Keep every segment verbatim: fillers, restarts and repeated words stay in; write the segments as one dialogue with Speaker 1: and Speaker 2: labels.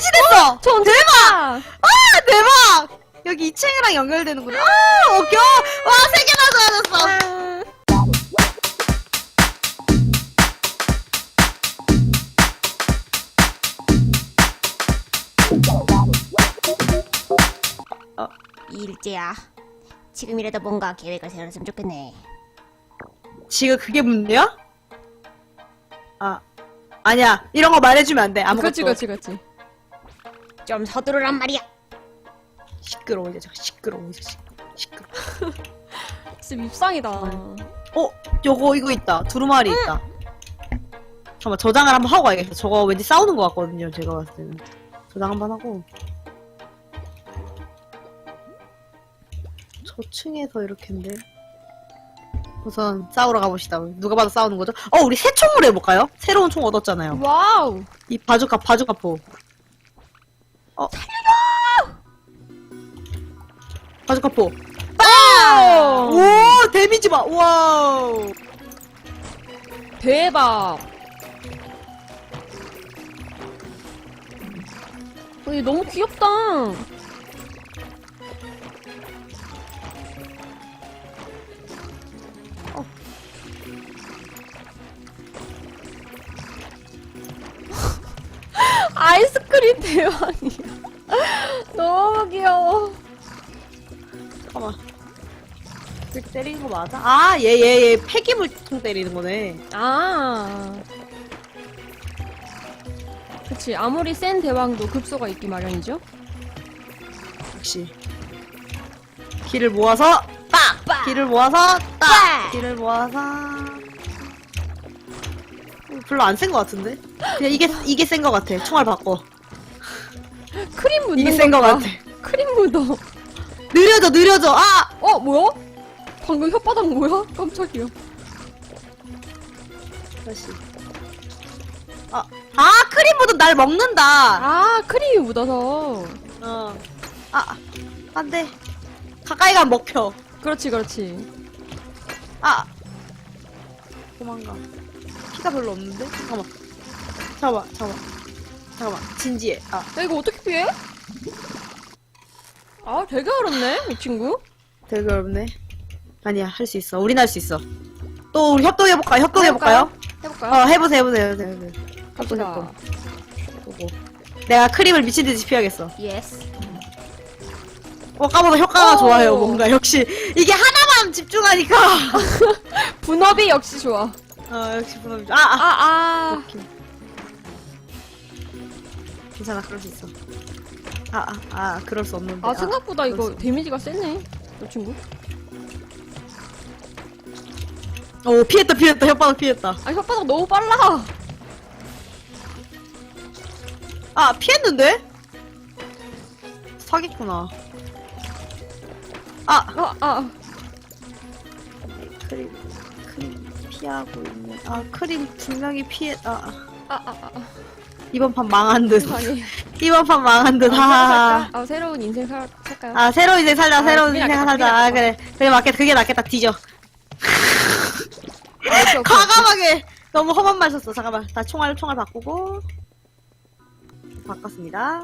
Speaker 1: 변신했어!
Speaker 2: 전
Speaker 1: 대박! 아, 대박! 여기 이 층이랑 연결되는구나. 아, 웃겨! 와, 세 개나 좋아졌어!
Speaker 2: 어, 일제야. 지금이라도 뭔가 계획을 세워놨으면 좋겠네.
Speaker 1: 지금 그게 문제야? 아, 아니야. 이런 거 말해주면 안 돼. 아무것도.
Speaker 2: 그렇지, 그렇지, 그렇지. 좀 서두르란 말이야.
Speaker 1: 시끄러워, 이제. 시끄러워, 이제. 시끄러워.
Speaker 2: 진짜 밉상이다.
Speaker 1: 어, 요거, 이거 있다. 두루마리
Speaker 2: 응.
Speaker 1: 있다. 잠깐만, 저장을 한번 하고 가야겠어. 저거 왠지 싸우는 것 같거든요, 제가 봤을 때는. 저장 한번 하고. 저층에서 이렇게인데. 우선 싸우러 가봅시다. 누가 봐도 싸우는 거죠? 어, 우리 새 총으로 해볼까요? 새로운 총 얻었잖아요.
Speaker 2: 와우.
Speaker 1: 이 바주카, 바주카포. 어. 바주카포.
Speaker 2: 빵!
Speaker 1: 오, 데미지 봐. 와우.
Speaker 2: 대박. 어, 얘 너무 귀엽다. 어. 아이스크림 대왕이야. 너무 귀여워.
Speaker 1: 잠깐만. 이렇게 때리는 거 맞아? 아, 얘, 얘, 얘 폐기물통 때리는 거네.
Speaker 2: 아. 그치. 아무리 센 대왕도 급소가 있기 마련이죠.
Speaker 1: 역시. 길을 모아서 딱!
Speaker 2: 빡!
Speaker 1: 길을 모아서 딱!
Speaker 2: 빡!
Speaker 1: 길을 모아서. 별로 안 센 거 같은데? 그냥 이게, 이게 센 거 같아. 총알 바꿔.
Speaker 2: 크림 묻는
Speaker 1: 이게 센 거
Speaker 2: 거
Speaker 1: 같아.
Speaker 2: 크림 묻어.
Speaker 1: 느려져, 느려져! 아!
Speaker 2: 어, 뭐야? 방금 혓바닥 뭐야? 깜짝이야.
Speaker 1: 다시. 아, 아, 크림보다 날 먹는다!
Speaker 2: 아, 크림이 묻어서.
Speaker 1: 어. 아, 안 돼. 가까이 가면 먹혀.
Speaker 2: 그렇지, 그렇지.
Speaker 1: 아! 도망가. 피가 별로 없는데? 잠깐만. 잠깐만, 잠깐만. 잠깐만. 진지해. 아.
Speaker 2: 야, 이거 어떻게 피해? 아, 되게 어렵네, 이 친구.
Speaker 1: 되게 어렵네. 아니야, 할 수 있어. 우린 할 수 있어. 또 우리 협동해볼까? 협동해볼까요?
Speaker 2: 해볼까요?
Speaker 1: 어, 해보세요, 해보세요, 해보세요. 해보세요.
Speaker 2: 갑시다.
Speaker 1: 협동, 보고. 내가 크림을 미친듯이 피하겠어.
Speaker 2: 예스.
Speaker 1: 어, 까보다 효과가
Speaker 2: 오.
Speaker 1: 좋아요, 뭔가. 역시. 이게 하나만 집중하니까.
Speaker 2: 분업이 역시 좋아.
Speaker 1: 어, 역시 분업이 좋아. 아, 아.
Speaker 2: 아, 아.
Speaker 1: 오케이. 괜찮아, 그럴 수 있어. 아, 아, 아, 그럴 수 없는데.
Speaker 2: 아, 생각보다
Speaker 1: 그럴
Speaker 2: 이거
Speaker 1: 수
Speaker 2: 데미지가 세네, 이 친구.
Speaker 1: 오, 피했다, 피했다, 혓바닥 피했다.
Speaker 2: 아, 혓바닥 너무 빨라.
Speaker 1: 아, 피했는데? 사기구나. 아!
Speaker 2: 아, 아.
Speaker 1: 크림, 크림 피하고 있네. 아, 크림 분명히 피해, 아.
Speaker 2: 아, 아, 아. 아.
Speaker 1: 이번 판 망한 듯.
Speaker 2: 아니.
Speaker 1: 이번 판 망한 듯,
Speaker 2: 아,
Speaker 1: 하하.
Speaker 2: 새로 살까? 아, 새로운 인생 살, 살까요?
Speaker 1: 아, 새로운 인생 살자,
Speaker 2: 아,
Speaker 1: 새로운
Speaker 2: 그게
Speaker 1: 인생
Speaker 2: 낫겠다,
Speaker 1: 살자.
Speaker 2: 그게
Speaker 1: 아,
Speaker 2: 낫겠다.
Speaker 1: 그래. 그래, 맞겠다. 그게 낫겠다. 뒤져.
Speaker 2: 아, 오케이, 오케이, 오케이.
Speaker 1: 과감하게! 너무 험한 말 썼어. 잠깐만. 다 총알, 총알 바꾸고. 바꿨습니다.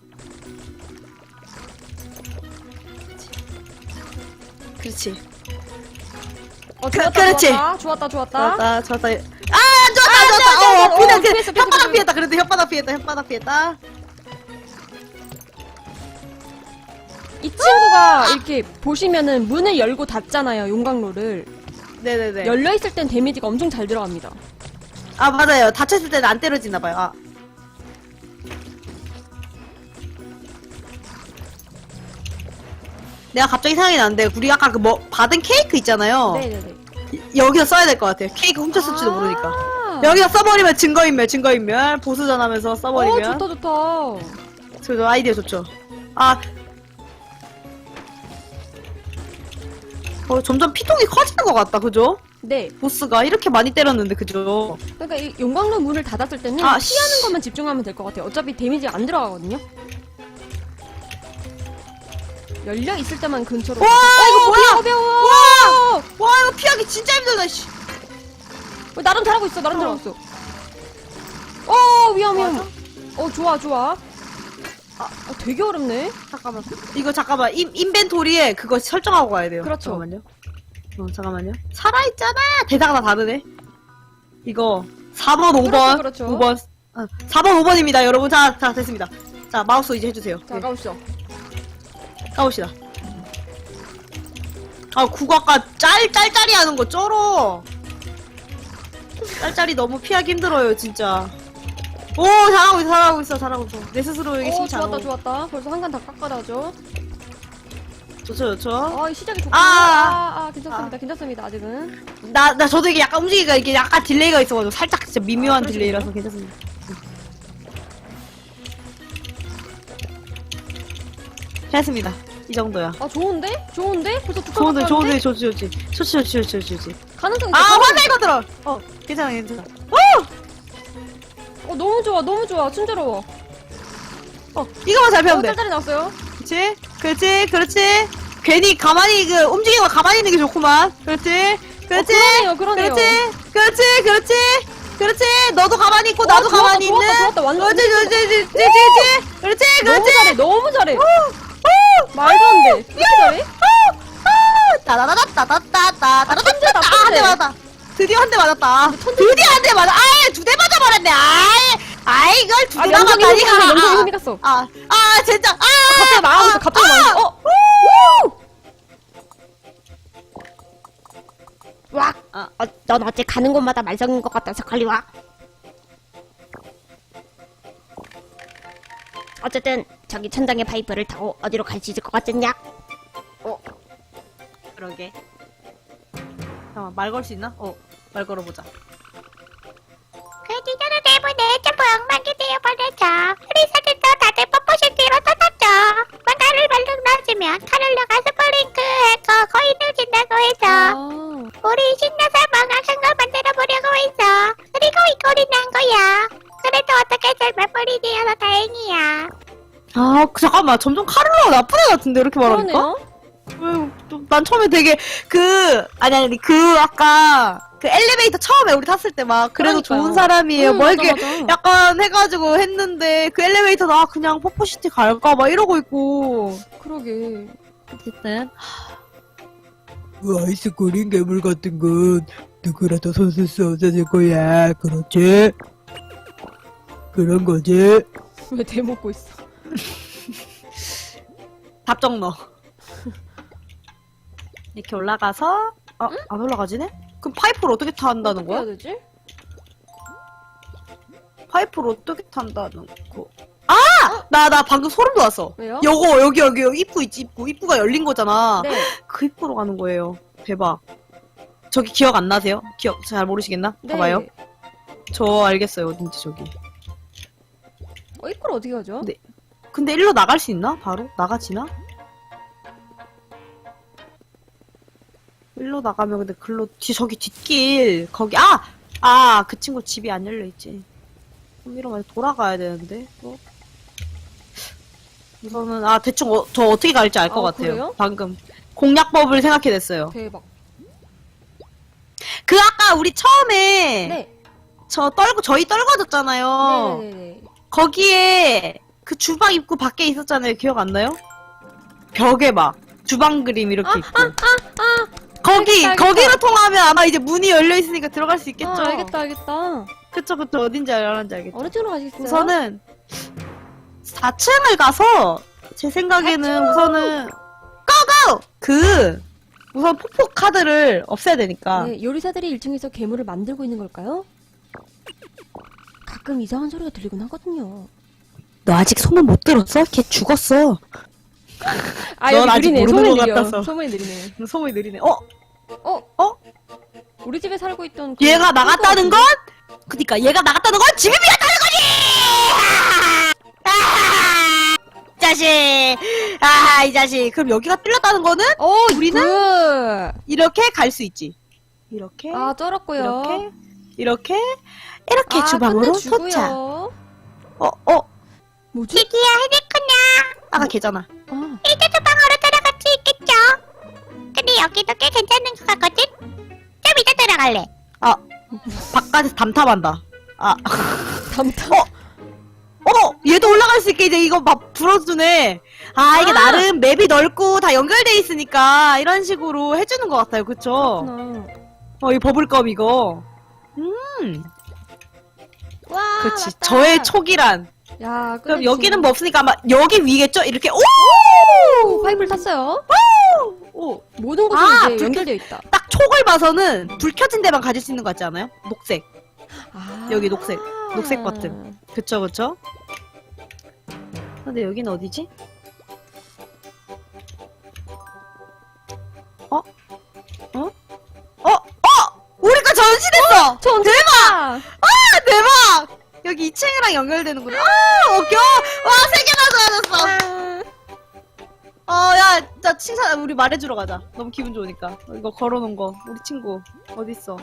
Speaker 1: 그렇지.
Speaker 2: 어, 좋았다,
Speaker 1: 그- 그렇지.
Speaker 2: 좋았다, 좋았다, 좋았다.
Speaker 1: 좋았다, 좋았다. 아, 좋았다,
Speaker 2: 아,
Speaker 1: 좋았다.
Speaker 2: 좋았다,
Speaker 1: 어,
Speaker 2: 좋았다.
Speaker 1: 그냥,
Speaker 2: 어,
Speaker 1: 그냥,
Speaker 2: 피했어, 피했어,
Speaker 1: 혓바닥
Speaker 2: 피했어.
Speaker 1: 피했다. 그래도 혓바닥 피했다, 혓바닥 피했다.
Speaker 2: 이 친구가 이렇게 보시면은 문을 열고 닫잖아요, 용광로를.
Speaker 1: 네네네.
Speaker 2: 열려있을 땐 데미지가 엄청 잘 들어갑니다.
Speaker 1: 아, 맞아요. 다쳤을 때는 안 때려지나봐요. 아. 내가 갑자기 생각이 나는데, 우리 아까 그 뭐, 받은 케이크 있잖아요.
Speaker 2: 네네네.
Speaker 1: 이- 여기서 써야 될 것 같아요. 케이크 훔쳤을지도 모르니까.
Speaker 2: 아.
Speaker 1: 여기서 써버리면 증거인멸, 증거인멸. 보수전하면서
Speaker 2: 어,
Speaker 1: 써버리면.
Speaker 2: 좋다, 좋다.
Speaker 1: 저 아이디어 좋죠. 아. 어, 점점 피통이 커지는 것 같다, 그죠?
Speaker 2: 네.
Speaker 1: 보스가 이렇게 많이 때렸는데, 그죠?
Speaker 2: 그러니까 이 용광로 문을 닫았을 때는
Speaker 1: 아,
Speaker 2: 피하는
Speaker 1: 씨.
Speaker 2: 것만 집중하면 될 것 같아요. 어차피 데미지가 안 들어가거든요. 열려 있을 때만 근처로.
Speaker 1: 와,
Speaker 2: 어,
Speaker 1: 이거 뭐야?
Speaker 2: 어려워, 어려워.
Speaker 1: 와! 와, 이거 피하기 진짜 힘들다, 씨.
Speaker 2: 어, 나름 잘하고 있어, 나름
Speaker 1: 어.
Speaker 2: 잘하고 있어. 어, 위험, 위험.
Speaker 1: 맞아?
Speaker 2: 어, 좋아, 좋아.
Speaker 3: 아, 되게 어렵네.
Speaker 1: 잠깐만. 이거 잠깐만. 인, 인벤토리에 그거 설정하고 가야 돼요.
Speaker 3: 그렇죠.
Speaker 1: 잠깐만요. 어, 잠깐만요. 살아있잖아! 대사가 다 다르네. 이거, 사 번, 오 번.
Speaker 3: 그렇죠, 그렇죠.
Speaker 1: 오 번. 아, 사 번, 오 번입니다, 여러분. 자, 자, 됐습니다. 자, 마우스 이제 해주세요.
Speaker 3: 자,
Speaker 1: 네,
Speaker 3: 가보시죠.
Speaker 1: 까봅시다. 아, 그거 아까 짤, 짤짤이 하는 거 쩔어. 짤짤이 너무 피하기 힘들어요, 진짜. 오, 잘하고 있어, 잘하고 있어, 잘하고 있어. 내 스스로에게
Speaker 3: 오,
Speaker 1: 칭찬.
Speaker 3: 좋았다, 좋았다. 벌써 한 칸 다 깎아다죠.
Speaker 1: 좋죠, 좋죠.
Speaker 3: 아, 이 시작이 좋구나.
Speaker 1: 아,
Speaker 3: 아, 아, 괜찮습니다. 괜찮습니다, 아직은.
Speaker 1: 나, 나 저도 이게 약간 움직이기가 이게 약간 딜레이가 있어가지고 살짝 진짜 미묘한
Speaker 3: 아, 그러시군요.
Speaker 1: 딜레이라서 괜찮습니다. 됐습니다. 이 정도야.
Speaker 3: 아, 좋은데? 좋은데? 벌써 두 칸
Speaker 1: 좋은데,
Speaker 3: 깎았는데?
Speaker 1: 좋은데, 좋지, 좋지. 좋지, 좋지, 좋지, 좋지, 좋지.
Speaker 3: 가능성이
Speaker 1: 아,
Speaker 3: 있어,
Speaker 1: 화살
Speaker 3: 가능성이
Speaker 1: 거 들어! 어, 괜찮아, 괜찮아. 오!
Speaker 3: 있어. 어, 너무 좋아, 너무 좋아. 친절로워.
Speaker 1: 어, 이거만 잘
Speaker 3: 어,
Speaker 1: 배우면 돼.
Speaker 3: 짤짤이 나왔어요.
Speaker 1: 그렇지, 그렇지, 그렇지. 괜히 가만히, 그, 움직이는 거 가만히 있는 게 좋구만. 그렇지, 그렇지.
Speaker 3: 어, 그러네요, 그러네요.
Speaker 1: 그렇지, 그렇지, 그렇지. 그렇지, 너도 가만히 있고, 나도
Speaker 3: 어, 좋았다,
Speaker 1: 가만히
Speaker 3: 좋았다,
Speaker 1: 있는.
Speaker 3: 좋았다. 완전
Speaker 1: 그렇지, 그렇지, 그렇지, 그렇지, 그렇지,
Speaker 3: 너무
Speaker 1: 그렇지.
Speaker 3: 잘해, 너무 잘해.
Speaker 1: 오! 오!
Speaker 3: 말도 안 돼. 왜 이렇게 잘해?
Speaker 1: 따다다다다다다다다다다다
Speaker 3: 천재다,
Speaker 1: 한 대
Speaker 3: 천재.
Speaker 1: 맞았다. 드디어 한 대 맞았다.
Speaker 3: 천재.
Speaker 1: 드디어 한 대 맞아. 아예 두 대 맞아버렸네. 아이, 아이 이걸 두
Speaker 3: 아,
Speaker 1: 대
Speaker 3: 영상이
Speaker 1: 맞았다니.
Speaker 3: 흥미갔어, 영상이 흥미갔어.
Speaker 1: 아, 아 진짜. 아,
Speaker 3: 갑자기 망하고 있어, 갑자기
Speaker 1: 아,
Speaker 3: 망하고 있어. 어?
Speaker 1: 우!
Speaker 2: 와, 어, 어, 넌 어째 가는 곳마다 말썽인 것 같아서 빨리 와. 어쨌든 저기 천장의 파이프를 타고 어디로 갈 수 있을 것 같겠냐?
Speaker 1: 그러게. 잠깐만 말 걸 수 있나? 어, 말 걸어보자.
Speaker 2: 그 기자를 때문에 전부 엉망이 되어버렸죠. 우리사들도 다들 뽀뽀시티로 떠났죠. 뭔가를 발로 놔주면 카를로가 스프링크해서 거의 늦진다고 해서
Speaker 3: 아,
Speaker 2: 우리 신나서 멍하신 걸 만들어보려고 했어. 그리고 이 꼴이 난 거야. 그래도 어떻게 잘못 꼴이 되어서 다행이야.
Speaker 1: 아, 그, 잠깐만. 점점 카를로가 나쁜 애 같은데 이렇게 말하니까?
Speaker 3: 그러네요.
Speaker 1: 왜, 좀, 난 처음에 되게, 그, 아니, 아니, 그, 아까, 그 엘리베이터 처음에 우리 탔을 때 막, 그래도
Speaker 3: 그러니까요.
Speaker 1: 좋은 사람이에요.
Speaker 3: 응,
Speaker 1: 뭐,
Speaker 3: 맞아,
Speaker 1: 이렇게,
Speaker 3: 맞아.
Speaker 1: 약간 해가지고 했는데, 그 엘리베이터 나 그냥 포포시티 갈까? 막 이러고 있고.
Speaker 3: 그러게.
Speaker 1: 어쨌든.
Speaker 4: 그 아이스크림 괴물 같은 건 누구라도 손쓸 수 없어질 거야. 그렇지? 그런 거지?
Speaker 3: 왜 대먹고 있어?
Speaker 1: 답정 넣어. 이렇게 올라가서, 어, 안 올라가지네? 그럼 파이프를 어떻게 탄다는
Speaker 3: 어떻게 해야
Speaker 1: 거야?
Speaker 3: 되지?
Speaker 1: 파이프를 어떻게 탄다는 거. 아! 나, 나 방금 소름 돋았어.
Speaker 3: 왜요?
Speaker 1: 요거, 여기, 여기, 여기, 입구 있지, 입구. 입구가 열린 거잖아.
Speaker 3: 네.
Speaker 1: 그 입구로 가는 거예요. 대박. 저기 기억 안 나세요? 기억 잘 모르시겠나?
Speaker 3: 네.
Speaker 1: 봐봐요. 저 알겠어요. 어딘지 저기.
Speaker 3: 어, 이걸 어떻게 하죠?
Speaker 1: 네. 근데 일로 나갈 수 있나? 바로? 나가지나? 일로 나가면 근데 글로, 뒤, 저기 뒷길, 거기, 아! 아, 그 친구 집이 안 열려있지. 그럼 이러면 돌아가야 되는데, 어? 우선은, 아, 대충, 어, 저 어떻게 갈지 알 것
Speaker 3: 아,
Speaker 1: 같아요.
Speaker 3: 그래요?
Speaker 1: 방금. 공략법을 생각해냈어요.
Speaker 3: 대박.
Speaker 1: 그, 아까 우리 처음에,
Speaker 3: 네.
Speaker 1: 저 떨고, 저희 떨궈졌잖아요.
Speaker 3: 네네네.
Speaker 1: 거기에, 그 주방 입구 밖에 있었잖아요. 기억 안 나요? 벽에 막, 주방 그림 이렇게
Speaker 3: 아,
Speaker 1: 있고.
Speaker 3: 아, 아, 아.
Speaker 1: 거기,
Speaker 3: 알겠다, 알겠다.
Speaker 1: 거기로 통하면 아마 이제 문이 열려있으니까 들어갈 수 있겠죠?
Speaker 3: 아, 알겠다, 알겠다.
Speaker 1: 그쵸, 그쵸. 어딘지 알았는지 알겠죠?
Speaker 3: 어느 쪽으로 가시겠어요?
Speaker 1: 우선은, 사 층을 가서, 제 생각에는 우선은, 고고! 그, 우선 폭포 카드를 없애야 되니까.
Speaker 3: 네, 요리사들이 일 층에서 괴물을 만들고 있는 걸까요? 가끔 이상한 소리가 들리곤 하거든요.
Speaker 1: 너 아직 소문 못 들었어? 걔 죽었어.
Speaker 3: 아,
Speaker 1: 넌
Speaker 3: 여기
Speaker 1: 아직
Speaker 3: 느리네.
Speaker 1: 모르는
Speaker 3: 소문이
Speaker 1: 것
Speaker 3: 느려.
Speaker 1: 같아서.
Speaker 3: 소문이 느리네.
Speaker 1: 소문이 느리네. 어?
Speaker 3: 어?
Speaker 1: 어?
Speaker 3: 우리 집에 살고 있던 그
Speaker 1: 얘가 나갔다는
Speaker 3: 친구
Speaker 1: 건? 그니까 얘가 나갔다는 건 집이 비었다는 거지! 아! 이 자식! 아, 이 자식. 그럼 여기가 뚫렸다는 거는?
Speaker 3: 어,
Speaker 1: 우리는?
Speaker 3: 그...
Speaker 1: 이렇게 갈 수 있지. 이렇게,
Speaker 3: 아, 쩔었고요.
Speaker 1: 이렇게, 이렇게, 이렇게
Speaker 3: 아,
Speaker 1: 주방으로
Speaker 3: 끝내주고요.
Speaker 1: 도착. 어, 어,
Speaker 3: 뭐지?
Speaker 2: 기기야, 헤드크냐.
Speaker 1: 아까 걔잖아.
Speaker 3: 아,
Speaker 2: 이제 주방으로 들어갈 수 있겠죠? 근데 여기도 꽤 괜찮은 것 같거든? 좀 이따 들어갈래.
Speaker 1: 바깥에서 담탑한다. 아,
Speaker 3: 담담.
Speaker 1: 어? 어! 얘도 올라갈 수 수 있게 이제 이거 막 불어주네. 아, 이게
Speaker 3: 아.
Speaker 1: 나름 맵이 넓고 다 연결돼 있으니까 이런 식으로 해주는 것 같아요. 그쵸?
Speaker 3: 그렇구나.
Speaker 1: 어, 이 버블껌 이거. 음,
Speaker 3: 와,
Speaker 1: 그치.
Speaker 3: 맞다.
Speaker 1: 저의 촉이란.
Speaker 3: 야,
Speaker 1: 그럼
Speaker 3: 그렇지.
Speaker 1: 여기는 뭐 없으니까 아마 여기 위겠죠? 이렇게, 오!
Speaker 3: 오, 파이브를 탔어요.
Speaker 1: 오!
Speaker 3: 모든 곳에
Speaker 1: 아,
Speaker 3: 이제
Speaker 1: 불-
Speaker 3: 연결되어 있다.
Speaker 1: 딱 촉을 봐서는 불 켜진 데만 가질 수 있는 것 같지 않아요? 녹색.
Speaker 3: 아.
Speaker 1: 여기 녹색. 녹색 버튼. 그쵸, 그쵸? 근데 여긴 어디지? 어? 어? 어? 어! 우리가 전시됐어!
Speaker 3: 전 대박!
Speaker 1: 아, 대박! 여기 이 층이랑 연결되는구나. 아, 웃겨! 와, 세 개나 좋아졌어! 어, 야, 자, 칭찬, 우리 말해주러 가자. 너무 기분 좋으니까. 이거 걸어놓은 거. 우리 친구. 어딨어?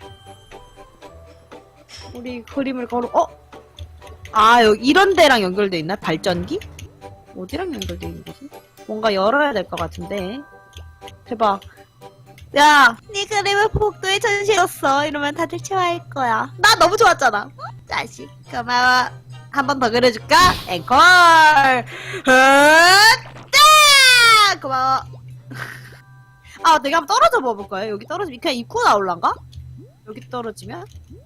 Speaker 1: 우리 그림을 걸어, 어? 아, 여기 이런 데랑 연결돼 있나? 발전기? 어디랑 연결돼 있는 거지? 뭔가 열어야 될 것 같은데. 대박. 야, 네 그림을 복도에 전시했어. 이러면 다들 좋아할 거야. 나 너무 좋았잖아. 응? 자식, 고마워. 한 번 더 그려줄까? 앵콜! 으따! 고마워. 아, 내가 한번 떨어져 봐볼 거야. 여기 떨어지면 그냥 입구 나올란가? 여기 떨어지면?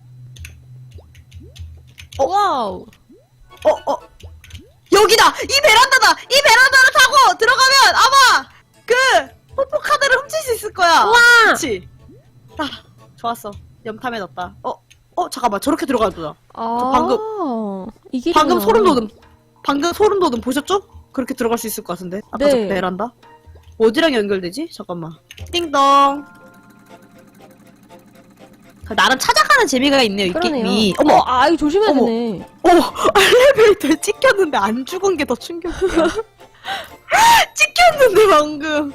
Speaker 3: 와우.
Speaker 1: 어, 어. 여기다! 이 베란다다! 이 베란다를 타고 들어가면 아마 그 뽀뽀 카드를 훔칠 수 있을 거야.
Speaker 3: 와!
Speaker 1: 그치? 아, 좋았어. 염탐해 놨다. 어, 어, 잠깐만. 저렇게 들어가도다.
Speaker 3: 아,
Speaker 1: 방금-
Speaker 3: 이게
Speaker 1: 방금 소름 돋음. 방금 소름 돋음 보셨죠? 그렇게 들어갈 수 있을 것 같은데. 아까 저
Speaker 3: 네.
Speaker 1: 베란다. 어디랑 연결되지? 잠깐만. 띵동. 나름 찾아가는 재미가 있네요, 이
Speaker 3: 그러네요.
Speaker 1: 게임이. 어머!
Speaker 3: 어, 아, 이거 조심해야
Speaker 1: 어머.
Speaker 3: 되네.
Speaker 1: 어, 엘리베이터에 찍혔는데 안 죽은 게 더 충격이야. 찍혔는데 방금.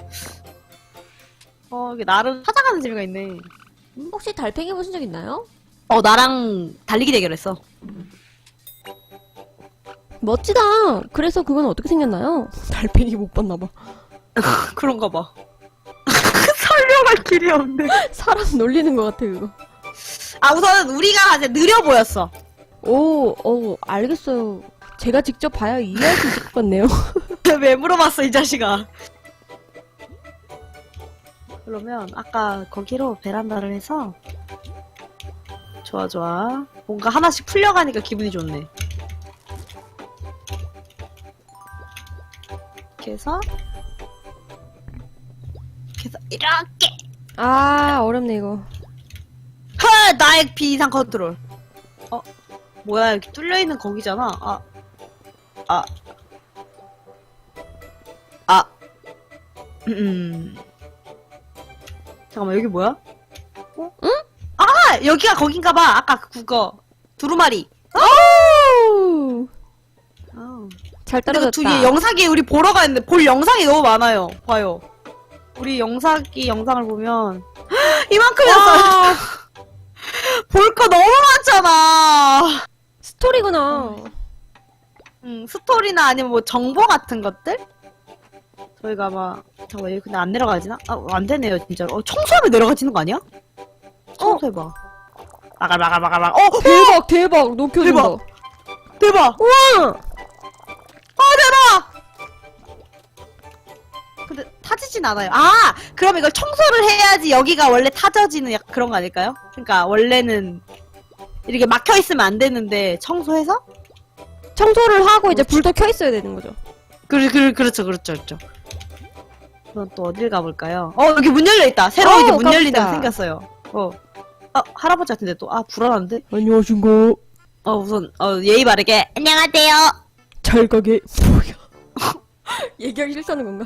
Speaker 1: 어, 이게 나름 찾아가는 재미가 있네.
Speaker 3: 혹시 달팽이 보신 적 있나요?
Speaker 1: 어, 나랑 달리기 대결했어.
Speaker 3: 멋지다. 그래서 그건 어떻게 생겼나요? 달팽이 못 봤나봐.
Speaker 1: 그런가 봐. 설명할 길이 없네.
Speaker 3: 사람 놀리는 것 같아, 그거.
Speaker 1: 아, 우선 우리가 이제 느려 보였어.
Speaker 3: 오, 어, 알겠어요. 제가 직접 봐야 이해할 수 있을 것 같네요.
Speaker 1: 왜 물어봤어, 이 자식아. 그러면 아까 거기로 베란다를 해서 좋아 좋아. 뭔가 하나씩 풀려가니까 기분이 좋네. 이렇게 해서 이렇게 해서 이렇게.
Speaker 3: 아, 어렵네, 이거.
Speaker 1: 하! 나의 비이상 컨트롤. 어? 뭐야, 여기 뚫려있는 거기잖아. 아. 아. 아. 음. 잠깐만, 여기 뭐야? 어?
Speaker 3: 응?
Speaker 1: 아! 여기가 거긴가봐. 아까 그 그거. 두루마리.
Speaker 3: 오!
Speaker 1: 아.
Speaker 3: 잘
Speaker 1: 근데 그
Speaker 3: 떨어졌다.
Speaker 1: 뒤에 영상이 우리 보러 가는데 볼 영상이 너무 많아요. 봐요. 우리 영상이 영상을 보면 이만큼이었어요. 볼 거 너무 많잖아.
Speaker 3: 스토리구나.
Speaker 1: 음, 스토리나 아니면 뭐 정보 같은 것들? 저희가 아마 잠깐만 여기 근데 안 내려가지나? 아, 안 되네요 진짜로. 어, 청소하면 내려가지는 거 아니야? 청소해봐. 마갈 마갈 마갈 마갈. 어!
Speaker 3: 대박, 대박. 높여준다.
Speaker 1: 대박. 대박!
Speaker 3: 우와!
Speaker 1: 어, 대박! 근데 타지진 않아요. 아! 그럼 이걸 청소를 해야지 여기가 원래 타져지는 약 그런 거 아닐까요? 그러니까 원래는 이렇게 막혀있으면 안 되는데 청소해서?
Speaker 3: 청소를 하고 이제 불도 켜 있어야 되는 거죠.
Speaker 1: 그, 그, 그렇죠, 그렇죠, 그렇죠. 그럼 또 어딜 가볼까요? 어, 여기 문 열려있다. 새로
Speaker 3: 어,
Speaker 1: 이제 문 열린 데가
Speaker 3: 깜짝이야.
Speaker 1: 생겼어요. 어. 아, 할아버지 같은데 또, 아, 불안한데?
Speaker 3: 안녕하신가?
Speaker 1: 어, 우선, 어, 예의 바르게. 안녕하세요.
Speaker 3: 잘 가게. 뭐야? 얘기하기 싫다는 건가?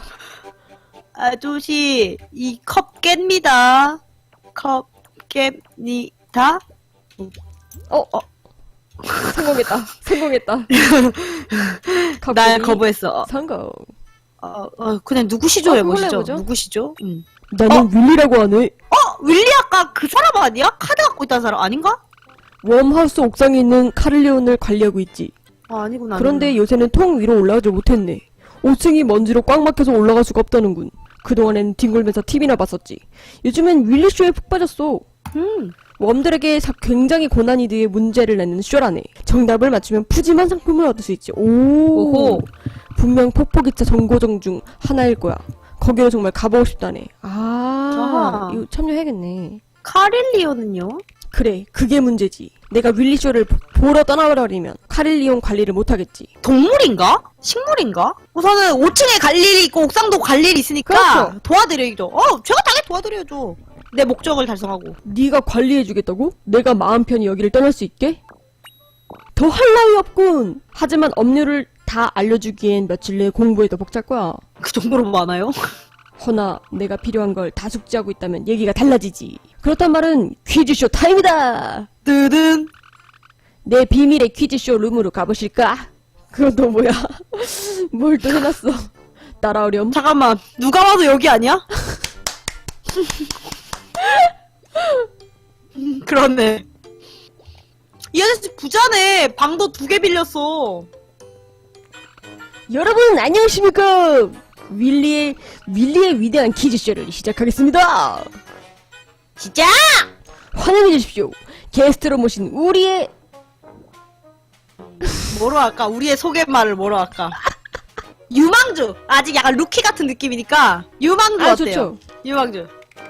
Speaker 1: 아저씨, 이 컵 깹니다. 컵 깹니다.
Speaker 3: 어, 어. 성공했다. 성공했다.
Speaker 1: 날
Speaker 3: 갑자기
Speaker 1: 거부했어. 어,
Speaker 3: 성공.
Speaker 1: 어, 어, 그냥 누구시죠?
Speaker 3: 어,
Speaker 1: 해보시죠.
Speaker 3: 그걸로 해보죠.
Speaker 1: 누구시죠? 음.
Speaker 3: 나는 윌리라고 하네.
Speaker 1: 어, 윌리 아까 그 사람 아니야? 카드 갖고 있다는 사람 아닌가?
Speaker 3: 웜하우스 옥상에 있는 카를리온을 관리하고 있지.
Speaker 1: 아, 아니구나.
Speaker 3: 그런데 요새는 통 위로 올라가지 못했네. 오 층이 먼지로 꽉 막혀서 올라갈 수가 없다는군. 그동안엔 뒹굴면서 티비나 봤었지. 요즘엔 윌리쇼에 푹 빠졌어.
Speaker 1: 음.
Speaker 3: 웜들에게 사- 굉장히 고난이 뒤에 문제를 내는 쇼라네. 정답을 맞추면 푸짐한 상품을 얻을 수 있지. 오.
Speaker 1: 오호.
Speaker 3: 분명 폭포기차 정고정 중 하나일 거야. 거기로 정말 가보고 싶다네. 아,
Speaker 1: 아하.
Speaker 3: 이거 참여해야겠네.
Speaker 1: 카릴리오는요?
Speaker 3: 그래, 그게 문제지. 내가 윌리쇼를 보- 보러 떠나버리면 카릴리온 관리를 못하겠지.
Speaker 1: 동물인가? 식물인가? 우선은 오 층에 갈 일이 있고 옥상도 갈 일이 있으니까
Speaker 3: 그렇죠.
Speaker 1: 도와드려야죠. 어, 제가 당연히 도와드려야죠. 내 목적을 달성하고.
Speaker 3: 네가 관리해주겠다고? 내가 마음 편히 여기를 떠날 수 있게? 더 할 나위 없군. 하지만 업무를 다 알려주기엔 며칠 내에 공부에 더 벅찰 거야.
Speaker 1: 그 정도로 많아요?
Speaker 3: 허나 내가 필요한 걸 다 숙지하고 있다면 얘기가 달라지지. 그렇단 말은 퀴즈쇼 타임이다.
Speaker 1: 뜨든.
Speaker 3: 내 비밀의 퀴즈쇼 룸으로 가보실까? 그건 또 뭐야? 뭘 또 해놨어? 따라오렴.
Speaker 1: 잠깐만, 누가 봐도 여기 아니야? 음, 그렇네. 이 아저씨 부자네. 방도 두 개 빌렸어.
Speaker 3: 여러분 안녕하십니까? 윌리의 윌리의 위대한 퀴즈쇼를 시작하겠습니다.
Speaker 1: 진짜?
Speaker 3: 환영해 주십시오. 게스트로 모신 우리의
Speaker 1: 뭐로 할까? 우리의 소개말을 뭐로 할까? 유망주! 아직 약간 루키 같은 느낌이니까 유망주
Speaker 3: 아
Speaker 1: 어때요?
Speaker 3: 좋죠.
Speaker 1: 유망주.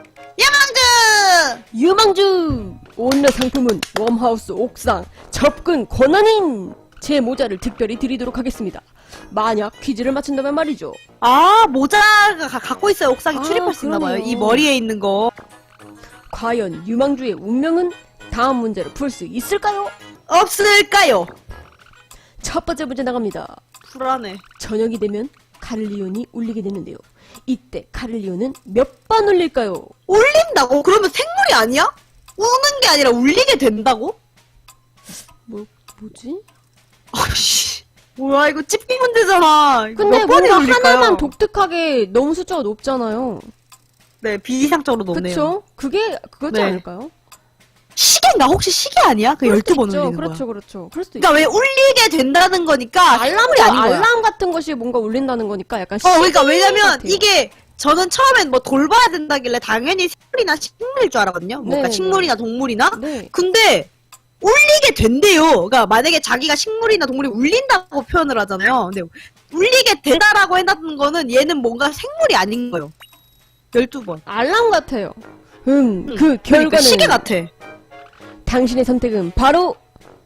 Speaker 1: 유망주!
Speaker 3: 유망주 오늘 상품은 웜하우스 옥상 접근 권한인 제 모자를 특별히 드리도록 하겠습니다. 만약 퀴즈를 맞춘다면 말이죠.
Speaker 1: 아, 모자가 가- 갖고 있어요. 옥상에
Speaker 3: 아,
Speaker 1: 출입할 수 있나봐요.
Speaker 3: 그러네요.
Speaker 1: 이 머리에 있는 거.
Speaker 3: 과연 유망주의 운명은 다음 문제를 풀 수 있을까요?
Speaker 1: 없을까요?
Speaker 3: 첫 번째 문제 나갑니다.
Speaker 1: 불안해.
Speaker 3: 저녁이 되면 카를리온이 울리게 되는데요. 이때 카를리온은 몇 번 울릴까요?
Speaker 1: 울린다고? 그러면 생물이 아니야? 우는 게 아니라 울리게 된다고?
Speaker 3: 뭐 뭐지?
Speaker 1: 아씨. 뭐야, 이거 찝기 문제잖아. 이거
Speaker 3: 근데
Speaker 1: 몇 번이
Speaker 3: 뭔가
Speaker 1: 울릴까요?
Speaker 3: 하나만 독특하게 너무 숫자가 높잖아요.
Speaker 1: 네, 비이상적으로 높네요.
Speaker 3: 그쵸? 그게 그거지
Speaker 1: 네.
Speaker 3: 않을까요?
Speaker 1: 시계인가? 혹시 시계 아니야? 그
Speaker 3: 그럴 수도
Speaker 1: 열두 번
Speaker 3: 있죠.
Speaker 1: 울리는
Speaker 3: 그렇죠,
Speaker 1: 거야.
Speaker 3: 그렇죠. 그럴 수도 있죠.
Speaker 1: 그러니까 왜 울리게 된다는 거니까
Speaker 3: 알람도
Speaker 1: 생물이 아닌 거야.
Speaker 3: 알람 같은 것이 뭔가 울린다는 거니까 약간
Speaker 1: 어, 그러니까
Speaker 3: 시계
Speaker 1: 왜냐면
Speaker 3: 같아요.
Speaker 1: 이게 저는 처음엔 뭐 돌봐야 된다길래 당연히 생물이나 식물일 줄 알았거든요. 뭔가
Speaker 3: 네,
Speaker 1: 식물이나 동물이나.
Speaker 3: 네.
Speaker 1: 근데 울리게 된대요. 그러니까 만약에 자기가 식물이나 동물이 울린다고 표현을 하잖아요. 근데 울리게 된다라고 해놨던 거는 얘는 뭔가 생물이 아닌 거예요. 열두 번.
Speaker 3: 알람 같아요. 음,
Speaker 1: 응.
Speaker 3: 그
Speaker 1: 그러니까
Speaker 3: 결과는
Speaker 1: 시계 같아.
Speaker 3: 당신의 선택은 바로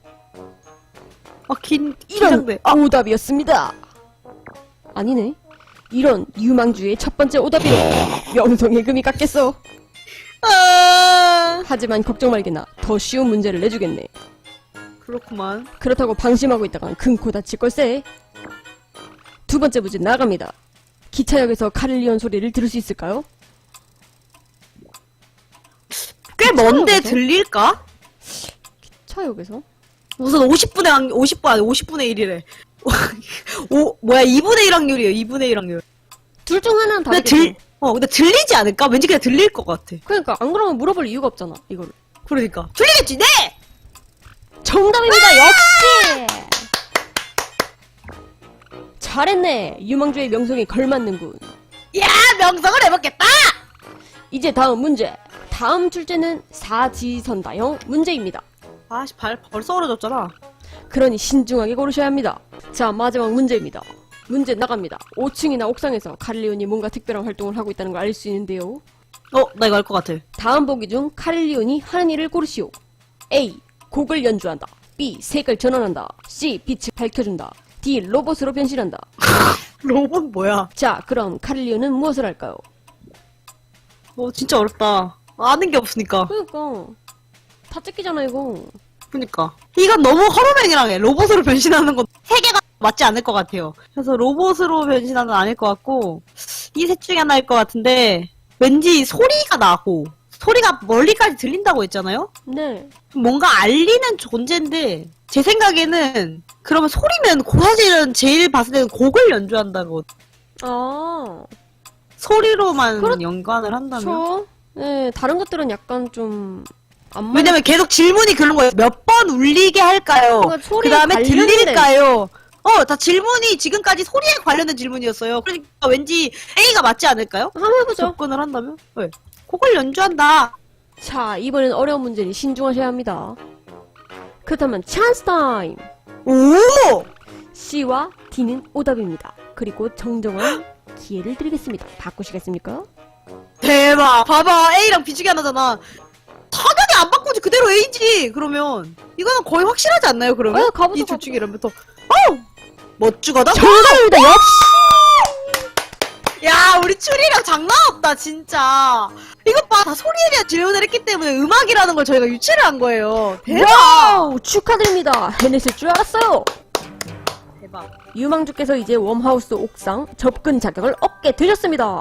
Speaker 1: 아, 긴,
Speaker 3: 이런
Speaker 1: 긴장돼. 아,
Speaker 3: 오답이었습니다. 아니네. 이런 유망주의 첫 번째 오답이로 명성의 금이 깎겠어.
Speaker 1: 아,
Speaker 3: 하지만 걱정 말게나. 더 쉬운 문제를 내주겠네.
Speaker 1: 그렇구만.
Speaker 3: 그렇다고 방심하고 있다간 큰 코 다칠 걸세. 두 번째 문제 나갑니다. 기차역에서 카를리온 소리를 들을 수 있을까요?
Speaker 1: 꽤 먼데
Speaker 3: 기차역에서?
Speaker 1: 들릴까?
Speaker 3: 차역에서?
Speaker 1: 우선 오십 분의 확, 오십 분, 아니 오십 분의 일이래. 오, 뭐야, 이분의 일 확률이에요, 이분의 일 확률.
Speaker 3: 둘 중 하나는
Speaker 1: 근데
Speaker 3: 다르겠죠.
Speaker 1: 들, 어, 근데 들리지 않을까? 왠지 그냥 들릴 것 같아.
Speaker 3: 그러니까 안 그러면 물어볼 이유가 없잖아. 이거를.
Speaker 1: 그러니까. 들리겠지, 네!
Speaker 3: 정답입니다. 역시. 잘했네. 유망주의 명성에 걸맞는군.
Speaker 1: 야, 명성을 해먹겠다!
Speaker 3: 이제 다음 문제. 다음 출제는 사지선다형 문제입니다.
Speaker 1: 아씨, 발 벌써 얼어졌잖아.
Speaker 3: 그러니 신중하게 고르셔야 합니다. 자, 마지막 문제입니다. 문제 나갑니다. 오 층이나 옥상에서 카릴리온이 뭔가 특별한 활동을 하고 있다는 걸 알 수 있는데요.
Speaker 1: 어, 나 이거 알 것 같아.
Speaker 3: 다음 보기 중 카릴리온이 하는 일을 고르시오. A. 곡을 연주한다. B. 색을 전환한다. C. 빛을 밝혀준다. D. 로봇으로 변신한다.
Speaker 1: 로봇 뭐야?
Speaker 3: 자, 그럼 카릴리온은 무엇을 할까요?
Speaker 1: 어, 진짜 어렵다. 아는 게 없으니까.
Speaker 3: 그러니까 다 찢기잖아 이거.
Speaker 1: 그니까. 이건 너무 허로맨이랑 해. 로봇으로 변신하는 건 세계가 맞지 않을 것 같아요. 그래서 로봇으로 변신하는 건 아닐 것 같고, 이 셋 중에 하나일 것 같은데, 왠지 소리가 나고, 소리가 멀리까지 들린다고 했잖아요?
Speaker 3: 네.
Speaker 1: 뭔가 알리는 존재인데, 제 생각에는, 그러면 소리면, 고- 사실은 제일 봤을 때는 곡을 연주한다고.
Speaker 3: 아,
Speaker 1: 소리로만
Speaker 3: 그렇-
Speaker 1: 연관을 한다면?
Speaker 3: 저. 네, 다른 것들은 약간 좀 안.
Speaker 1: 왜냐면 계속 질문이 그런 거예요. 몇 번 울리게 할까요?
Speaker 3: 그러니까
Speaker 1: 그
Speaker 3: 소리에
Speaker 1: 다음에
Speaker 3: 관련된-
Speaker 1: 들릴까요? 어, 다 질문이 지금까지 소리에 관련된 질문이었어요. 그러니까 왠지 A가 맞지 않을까요?
Speaker 3: 한번 해보죠.
Speaker 1: 접근을 한다면? 네. 곡을 연주한다.
Speaker 3: 자, 이번엔 어려운 문제니 신중하셔야 합니다. 그렇다면 찬스 타임!
Speaker 1: 오!
Speaker 3: C와 D는 오답입니다. 그리고 정정한 기회를 드리겠습니다. 바꾸시겠습니까?
Speaker 1: 대박. 봐봐. A랑 B 중에 하나잖아. 당연히 안 바꾸지. 그대로 A지. 그러면 이거는 거의 확실하지 않나요? 그러면
Speaker 3: 어, 가보자,
Speaker 1: 이 둘 중에 이러면 또 어! 멋주거다.
Speaker 3: 정답입니다. 역시!
Speaker 1: 야, 우리 추리랑 장난 없다, 진짜. 이것 봐, 다 소리에 대한 질문을 했기 때문에 음악이라는 걸 저희가 유치를 한 거예요. 대박!
Speaker 3: 와우! 축하드립니다. 해냈을 줄 알았어요.
Speaker 1: 대박.
Speaker 3: 유망주께서 이제 웜하우스 옥상 접근 자격을 얻게 되셨습니다.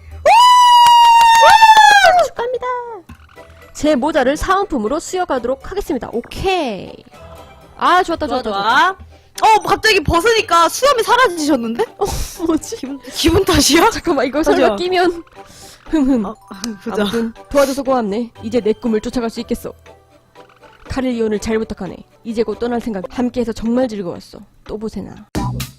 Speaker 3: 축하합니다. 제 모자를 사은품으로 수여가도록 하겠습니다. 오케이. 아, 좋았다,
Speaker 1: 좋아,
Speaker 3: 좋았다, 좋았다.
Speaker 1: 좋아. 어, 갑자기 벗으니까 수염이 사라지셨는데?
Speaker 3: 뭐지?
Speaker 1: 기분, 기분 탓이야?
Speaker 3: 잠깐만, 이거
Speaker 1: 맞아.
Speaker 3: 설마 끼면. 흠흠.
Speaker 1: 어, 보자.
Speaker 3: 아무튼 도와줘서 고맙네. 이제 내 꿈을 쫓아갈 수 있겠어. 카릴리온을 잘 부탁하네. 이제 곧 떠날 생각. 함께해서 정말 즐거웠어. 또 보세나.